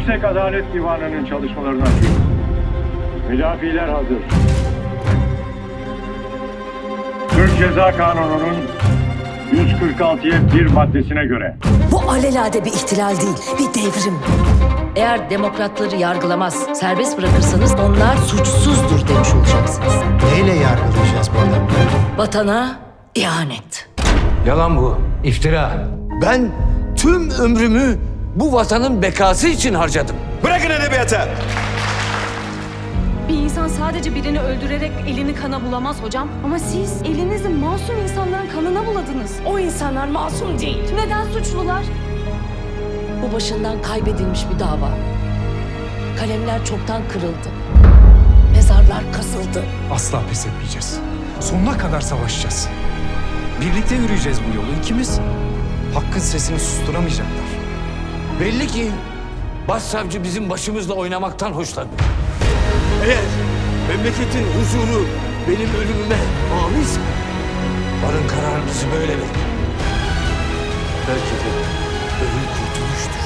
Yüksek Adalet Divanı'nın çalışmalarını açıyoruz. Müdafiler hazır. Türk Ceza Kanunu'nun 146'ya 1 maddesine göre Bu alelade bir ihtilal değil, bir devrim. Eğer demokratları yargılamaz, serbest bırakırsanız onlar suçsuzdur demiş olacaksınız. Neyle yargılayacağız bu adamı? Vatana ihanet. Yalan bu, iftira. Ben tüm ömrümü bu vatanın bekası için harcadım. Bırakın edebiyatı! Bir insan sadece birini öldürerek elini kana bulamaz hocam. Ama siz elinizi masum insanların kanına buladınız. O insanlar masum değil. Neden suçlular? Bu başından kaybedilmiş bir dava. Kalemler çoktan kırıldı. Mezarlar kazıldı. Asla pes etmeyeceğiz. Sonuna kadar savaşacağız. Birlikte yürüyeceğiz bu yolu ikimiz. Hakkın sesini susturamayacaklar. Belli ki başsavcı bizim başımızla oynamaktan hoşlanıyor. Eğer memleketin huzuru benim ölümüme âminse Varın kararınızı böyle verin. Belki de ölüm kurtuluştur.